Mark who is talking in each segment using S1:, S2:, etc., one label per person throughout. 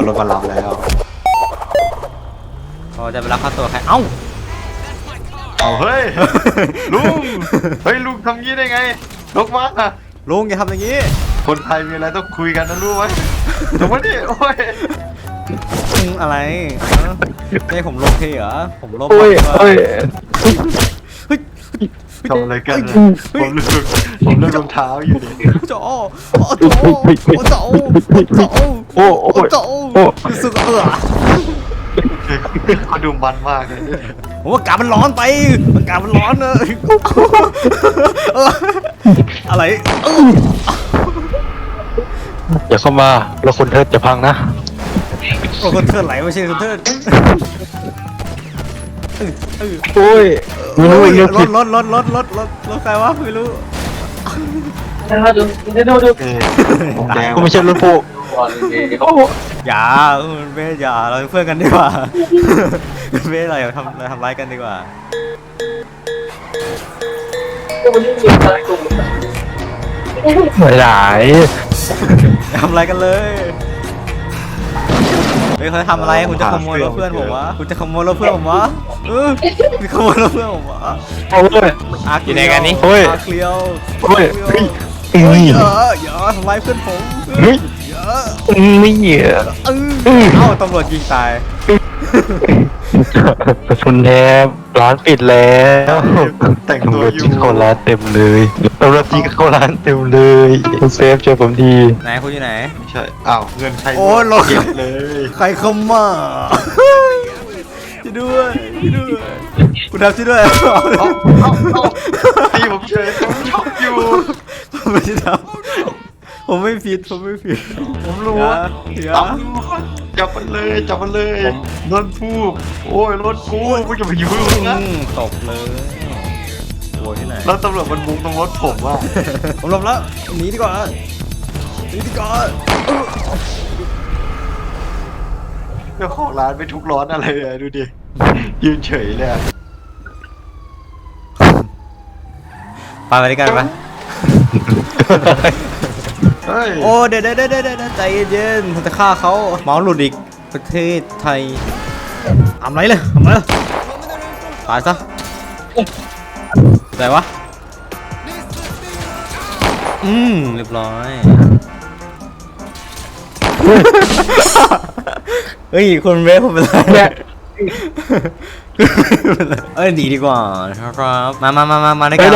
S1: รถมารับแล้ว
S2: พอจะไปรับค่าตัวใครเอ้า
S1: เอาเฮ้ยลุงเฮ้ยลุงทำงี้ได้ไงลกมา
S2: ลุงอย่าทำอย่างนี้
S1: คนไทยมีอะไรต้องคุยกันนะรู้ไหมจงมาดิโอ้ย
S2: อะไรไม่ผมลบเทเหรอผมลบ
S1: ทำอะไรกันผมเลือกรองเท้าอยู่ดิ
S2: โจ้สุด
S1: เขาดูมันมากเลย
S2: ผมว่ากามันร้อนไปอากาศมันร้อนเลยอะไร
S3: อย่าเข้ามาแล้วคนเทิดจะพังนะ
S2: คนเทิดไหลไม่ใช่คนเทิด
S3: โอ้ย
S2: รถใครวะไม่รู้
S3: กูไม่ใช่รถพวก
S2: อย่าเบ้อย่าเราเป็นเพื่อนกันดีกว่าเบ้เราอย่าทำร้ายกันดีกว่า
S3: ไม่ได้
S2: ทำอะไรกันเลยเฮ้ยเขาทำอะไรคุณจะขโมยรถเพื่อนผมวะคุณจะขโมยรถเพื่อนผมวะคุณขโมยรถเพื่อนผมวะ
S3: โอ้ย
S2: อยู่ในกันนี่อาเคลียวอย่าทำร้ายเพื่อนผม
S3: ไม่เหยียบ
S2: เอ้าตำรวจยิงตาย
S3: กระสุนแทบร้านปิดแล้ว
S1: แต่งตัวอยู่
S3: เขาร้านเต็มเลยตำรวจจีเขาร้านเต็มเลยคุณเซฟช่วยผมที
S2: ไหนคุณอยู่ไหน
S1: ไม่ใช่อ้าวเงินใคร
S2: โอ้ย
S1: เก็บเลย
S2: ใครเข้ามาช่วยด้วยคุณทำช่วยด้วย
S1: เอาตีผมเฉยผมชอบอยู่
S2: ผมไม่ทำผมไม่ผิด
S1: ผมรู้จับมันเลยรถผู้โอ้ยรถกูไม่จะไปอยู่นะ
S2: ตกเลยโวยที่ไหน
S1: แล้วตำรวจมันบุกตรงรถผมว่า
S2: ผมหลบแล้วหนีดีกว่า
S1: เจ้าของร้านไปทุกร้อนอะไรเลยดูดิยืนเฉยเลย
S2: ไปด้วยกันปะโอ้เดี๋ยวใจเย็นๆจะฆ่าเขาเมาหลุดอีกประเทศไทยทำไรเลยตายซะไหนวะเรียบร้อยเฮ้ยคนเวฟผมเป็นไรหนีดีกว่าครับมาด้วยกัน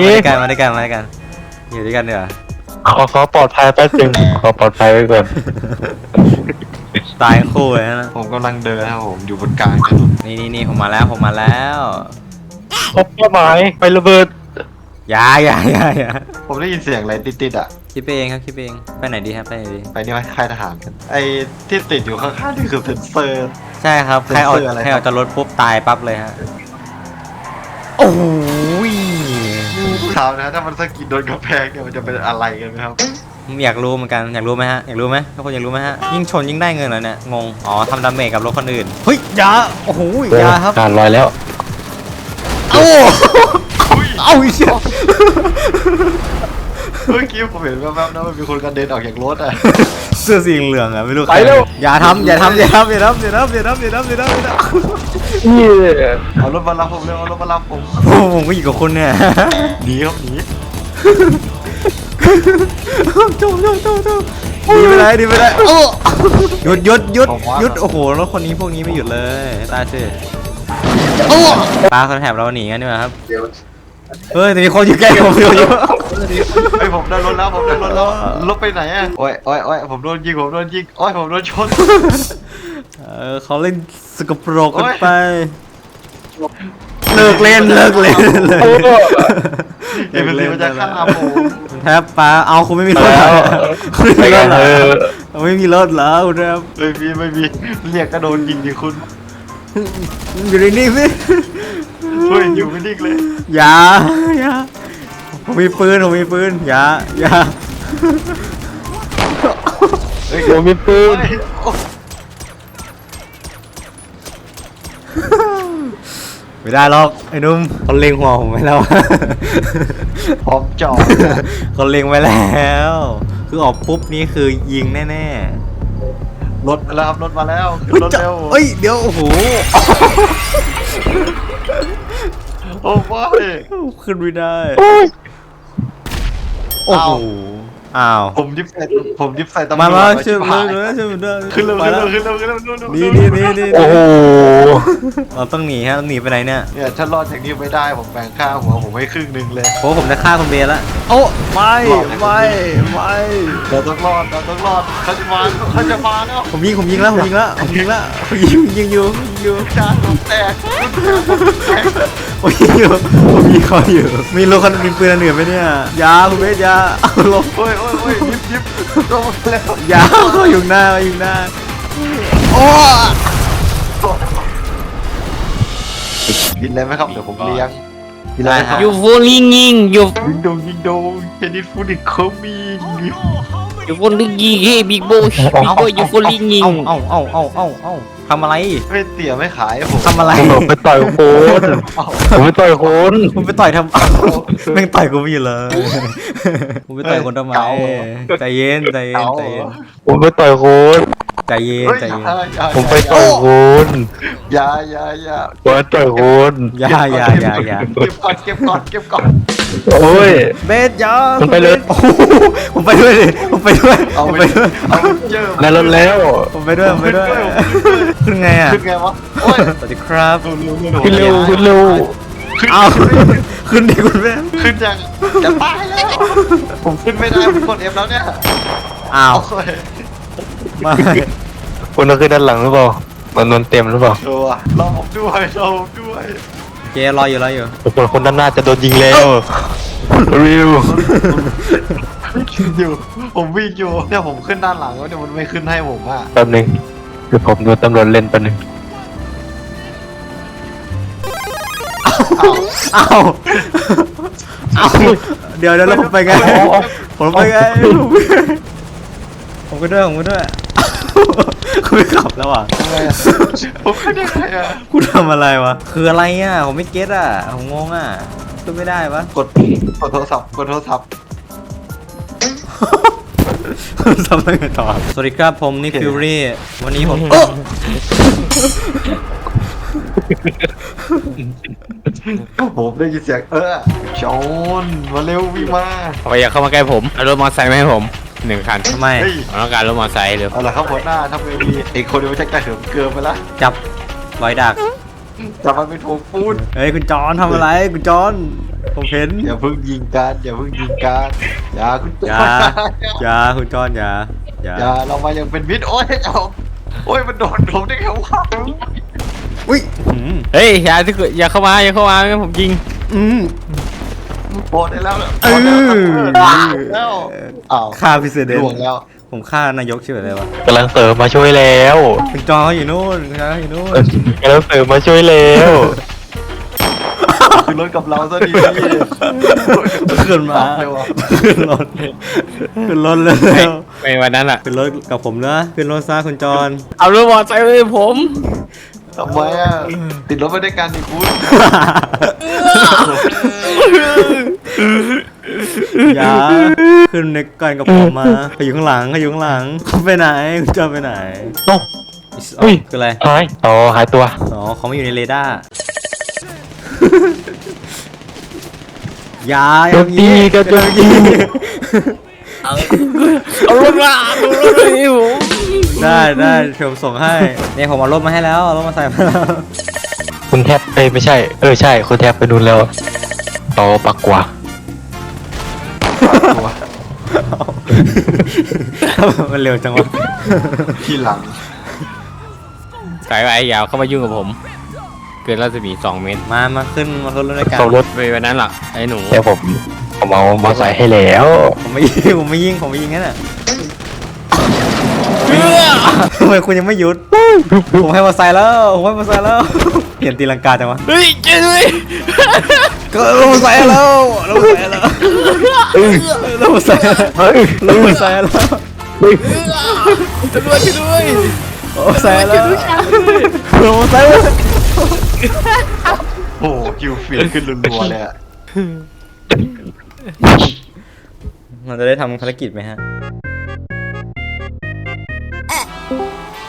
S2: อยู่ด้วยกันเดี๋ยว
S3: ขอปลอดภัยแป๊บนึงขอปลอดภัยไว้ก่อน
S2: ตายคู่เลยนะ
S1: ผมกำลังเดินครับผมอยู่บนกลางถนน
S2: นี่ผมมาแล้ว
S3: พบเป้าหมายไประเบิด
S2: อย่า
S1: ผมได้ยินเสียงอะไรติดอ่ะ
S2: คิดเองครับไปไหนดีครับไป
S1: นี่ไหมค่ายทหารกันไอ้ที่ติดอยู่ข้างๆนี่คือเซนเซอร์
S2: ใช่ครับใครออกจากรถปุ๊บตายปั๊บเลยฮะโอ้ย
S1: ถามนะถ้ามันสะกิดโดนกระแพงเนี่ยมันจะเป็นอะไรกันไหมครับ
S2: อยากรู้เหมือนกันอยากรู้ไหมทุกคนอยากรู้ไหมฮะยิ่งชนยิ่งได้เงินเหรอเนี่ยงงอ๋อทำดาเมจกับรถคนอื่นเฮ้ยยาโอ้โหยาครับ
S3: การลอยแล้ว
S2: เอาอีกแล้ว
S1: เมื่อกี้ผมเห็นแว๊บๆนะมันมีคนกระเด็นออกจากรถอ่ะ
S2: เสื้อสีเหลืองอ่ะไม่รู้ใครอย่าทำเอา
S1: รถมารับผมเลยเอารถมารับผม
S2: ก็อยู่กับคุณเนี่ย
S1: หนีครับหนี
S2: โดีไปไหนหยุดโอ้โหรถคนนี้พวกนี้ไม่หยุดเลยตายสิปลาคนแถบเราหนีกันดีกว่าครับเฮ้ยแต่มีคนอยู่ใกล้ผมอยู่
S1: ผมได้รถแล้วรถไปไหนอ่ะโอ้ยผมโดนยิงโอ้ยผมโดนชน
S2: เขาเล่นสกปรกกันไปเลิกเล่นเลย
S1: มันจะฆ่าผม
S2: แทบปลาเอาคุณไม่มีรถไม่มีรถแล้วคุณแทบ
S1: ไม่มีเรียกกระโดนยิงดิคุณ
S2: อยู่นิ่งๆสิ
S1: เฮ้ยอยู่ไม่นิ่งเลย
S2: อย่าผมมีปืนอย่า
S3: ผมมีปืน
S2: ไม่ได้หรอกไอ้นุ่มเขาเล็งหัวผมไว้แล้ว
S1: พร้อมจ่อ
S2: เขาเล็งไว้แล้วคือออกปุ๊บนี่คือยิงแน่
S1: รถมาแล้วครับรถมาแล้วขึ้
S2: เฮ้ย
S1: นรถ
S2: จะ
S1: เร็ว
S2: เฮ้ยเดี๋ยวโอ้โห
S1: โอ้ไม่
S2: ขึ้นไม่ได้โอ้โหอ้าว
S1: ผมยิบใส่ตำรวจ
S2: มา
S1: ไว้
S2: ช่วย
S1: ชิบ
S2: มา
S1: หาย
S2: ช่วยมาด้วย
S1: ขึ้นเร็ว
S2: ไป
S1: ขึ้น
S2: แล้ว
S1: เร็วขึ้นเร็วขึ้นเร็วขึ้นเร็ว
S2: นี่
S3: โอ้โห
S2: เราต้องหนีฮะต้องหนีไปไหนเนี่ย
S1: เนี่ยถ้ารอดจากนี้ไม่ได้ผมแบ่งค่าหัวผมให้ครึ่งหนึ่งเลย
S2: โอ้ผมจะฆ่าคุณเบย์แล้วโอ้ไม่ไม่
S1: เราต้องรอดเขาจะมาแล้ว
S2: ผมยิงแล้วผมยิงอยู่
S1: จานผมแตก
S2: ผมยิงอยู่ผมยิงเขาอยู่มีรถคันมีปืนอันอื่นไหมเนี่ยยาคุณเบย์ยาเอาลง
S1: โอ้ยยิบลงมาแล้ว
S2: ยาเขาอยู่หน้าโอ้
S1: กินอะไรไหมครับเดี๋ยวผมเลี้ยงกินอะไรครับ
S4: อยู่ฟูลิงยิงอยู่
S1: ยิงโดงเจนิฟูดิเขามี
S4: อยู่ฟูลิงยิงเฮ้บิ๊กโบอยู่ฟูลิงยิง
S2: เอาทำอะไร
S1: ไม่เตี๋ยไม่ขายผม
S2: ทำอะไร
S3: ผมไปต่อยโคนผมไปต่อยโคน
S2: ผมไปต่อยทำแม่งต่อยกูไม่อยู่เลยผมไปต่อยคนทำไมใจเย็น
S3: ผมไปต่อยโคน
S2: ใจเย็น
S1: เฮ้ย
S2: ใจเย็น
S3: ผมไปต่อยโคน
S1: อย่า
S3: ผมไปต่อยโคน
S2: อย่า
S1: เก็บก่อน
S3: โอ้ย
S2: เบสยา
S3: ผมไปเลย
S2: ผมไปด้วยดิผมไปด้วย
S1: เอาไปเยอะ
S3: ในรถแล้ว
S2: ผมไปด้วยขึ้นไงอ่ะ
S1: ขึ้นไงวะโอ้ย
S2: สวัสดีครับ
S3: ขึ้นเร็วขึ้นเร็ว
S2: เอาขึ้นดิคุณแม่
S1: ขึ้นยังจะตายแล้วผมขึ้นไม่ได้ผมกด F แล้วเนี่ย
S2: อ้าว
S1: โอ้ย
S2: ไม่
S3: คุณต้องขึ้นด้านหลังหรือเปล่ามันเต็มหรือเปล่า
S1: ชัวร์รอผมด้วย
S2: เจรออยู่
S3: ส่วนคนด้านหน้าจะโดนยิงแล้วริว
S1: อยู่ผมวิ่งอยู่เนี่ยผมขึ้นด้านหลังแล้วเนี่ยมันไม่ขึ้นให้ผมอ่ะ
S3: แป๊บนึงเดี๋ยวผมโดนตำรวจเล่นแป๊บนึง
S2: เอาเดี๋ยวแล้วผมไปไงผมไปไงผมก็ด้วยคุณไม่ขับแล้วอ่ะ
S1: ทำไงอะผมขึ้นยังไงอ่ะ
S2: คุณทำอะไรวะคืออะไรอ่ะผมไม่เก็ตอ่ะผมงงอ่ะขึ้นไม่ได้ปะ
S1: กดโทรศัพท์
S2: ทำอะไรกันต่อสวัสดีครับผมนิกฟิวรี่วันนี้ผม
S1: ผมได้ยินเสียงจอนมาเร็ววิ่งมา
S4: อย่าเข้ามาใกล้ผมเอารถมอเตอร์ไซค์มาให้ผม1 คัน
S2: ทำไม
S1: เฮ้ย
S4: ผมต้องการรถมอเตอร์ไซค์เร็ว
S1: เอาละครับหัวหน้าทำไงดีไอ้คนนี้มันจะกระเหิมเกินไปละ
S2: จับรอยดัก
S1: จะมาเป็นโถงปูน
S2: เฮ้ยคุณจอนทำอะไรคุณจอนผมเห็น
S1: อย่าเพิ่งยิงกันอย่าคุณจ
S2: อย่าคุณจอนอย่า
S1: อย่าเรามายังเป็นมิตรโอ้ยมันโดนผมได้ไงวะ
S2: อุ้ย
S4: เฮ้ยอย่าเข้ามางั้นผมยิง
S1: โปรดได้แล้ว แล้วอ้าว
S2: ฆ่าพิเศษเดน
S1: ล่วงแล้ว
S2: ผมฆ่านายกชื่ออะไรวะ
S3: กำลังเสริมมาช่วยแล้ว
S2: คุณจอนเขาอยู่นู่นคุณจอนเขาอยู่นู่น
S3: กำลังเสริมมาช่วยแล้ว
S1: คือรถกับเราซะดี
S2: ขึ้นมา
S1: เลยวะ
S2: ขึ้นรถเลย
S4: ไปวันนั้นอ่ะ
S2: ขึ้นรถกับผมนะขึ้นรถซะคุณจอน
S4: เอารถมอเตอร์ไซค์ให้ผม
S1: ทำไมอ่ะติดรถไปด้วยกันดิคุณ
S2: อย่าขึ้นในกันกับผมมาเขาอยู่ข้างหลังไปไหนคุณจอนไปไหน
S3: โอ้เฮ้ย
S2: คืออะไร
S3: หายหายตัว
S2: อ๋อเขาไม่อยู่ในเรดาร์อย่า
S3: โดนตีกันโดนตี
S4: เอารถมาให้ผม
S2: ได้เดี๋ยวผมส่งให้เนี่ยผมเอารถมาให้แล้วเอารถมาใส่มาแล้ว
S3: คุณแทบไม่ใช่ใช่คุณแทบไปนู่นแล้วต่อปักกว่า
S2: มันเร็วจังวะ
S1: ทีหลัง
S4: สายไอ้ยาวเข้ามายุ่งกับผม เกินรัศมี2 เมตร
S2: มาขึ้นรถด้วยกัน
S3: ส่งรถ
S4: ไปวันนั้นหรอไอ้หนู
S3: แต่ผมเอามาใส่ให้แล้ว
S2: ผมไม่ยิงงั้นอ่ะทำไมคุณยังไม่หยุดผมให้มาใส่แล้วเห็นตีลังกาจังวะ
S4: เฮ้ยเจ๊ด้วย
S2: ก็ลงมาใส่แล้วลงมาใส่แล้ว
S3: เฮ้ย
S2: แล้ว
S4: ตำรวจช่วยด้วย
S1: โอ้โหคิวฟีดขึ้นรัวๆเลยอ่ะ
S2: มันจะได้ทำภารกิจไหมฮะ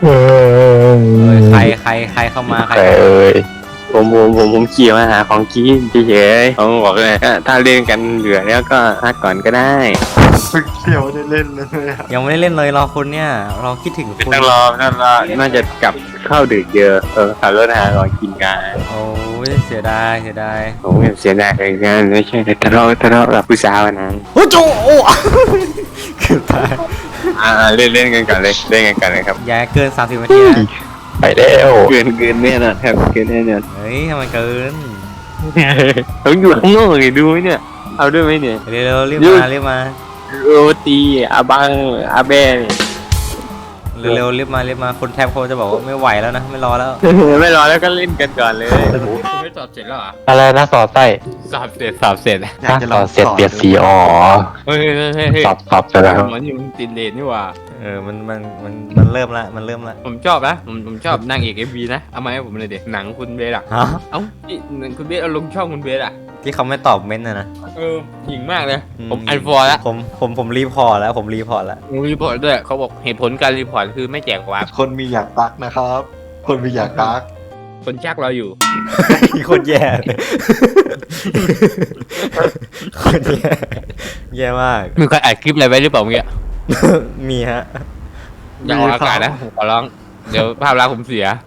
S3: เออ
S2: ใครเข้ามาใคร
S3: แต่เอ้ย
S4: ผมขี่มาหาของกินเฉยๆเขาบอกเลยถ้าเล่นกันเหลือแล้วก็พักก่อนก็ได้
S1: ฝึกเดียวได้เล่นเลยอะ
S2: ยังไม่ได้เล่นเลยรอคุณเนี่ยเราคิดถึงคุณ
S4: ต้องรอน่าจะกลับเข้าดึกเยอะขับรถหาของกินกัน
S2: โอ้ยเสียดาย
S4: ผมเสียดายเลยกันไม่ใช่ทะเลาะกับผู้สาวนะ
S2: โอ้โจโอ้เกือบตาย
S4: เล่นกันก่อนเลยเล่นกันก่อนเลยครับ
S2: อย่าเกิน30นาทีนะ
S3: ไปแล้ว
S4: เกินแน่นอนครับเกินแน่นอน
S2: เฮ้ยทำไมเกิน
S4: เขาอยู่ข้างนอกเลยดูไหมเนี่ยเอาด้วยไหมเนี่ย
S2: เร็วๆรีบมา
S4: โรตีอาบังอาแบเนี่ย
S2: เร็วๆรีบมาคนแทบเขาจะบอกว่าไม่ไหวแล้วนะไม่รอแล้ว
S4: ไม่รอแล้วก็เล่นกันก่อนเลยไม่สอบเสร็จแล้วเหรอ
S3: อะไรนะสอดไส้
S4: สอบเสร็จ
S1: อยากจะล
S3: ส
S1: อ
S3: อง ดเสร็จเปลี่ยนสีอ๋อ
S4: เฮ้ย
S3: สอบเสร็จแล้ว
S4: มันอยู่ติดเลนนี่หว่า
S2: มันเริ่มละ
S4: ผมชอบนะผมชอบนางเอก MV นะเอามาให้ผมเลยเด็กหนังคุณเบสอ่ะ
S2: ฮะ
S4: เอ้าคุณเบสเอาลงช่องคุณเบสอ่ะ
S2: ที่เขาไม่ตอบเม้นต์นะ
S4: หญิงมากเลยผมอันฟอร์แล้ว
S2: ผมรีพอร์ตแล้วผมรีพอร์ตแล้ว
S4: รีพอร์ตด้วยเขาบอกเหตุผลการรีพอร์ตคือไม่แจกวาร์ป
S1: คนมีอยากตักนะครับ คนมีอยากตัก
S4: คนชักเราอยู่
S2: คนแย่เลยคนแย่มาก
S4: มีใครอัดคลิปอะไรไว้หรือเปล่าเมื่อกี้
S2: มีฮะ
S4: อย่าออกอากาศนะผมขอร้อง เดี๋ยวภาพลักษณ์ผมเสีย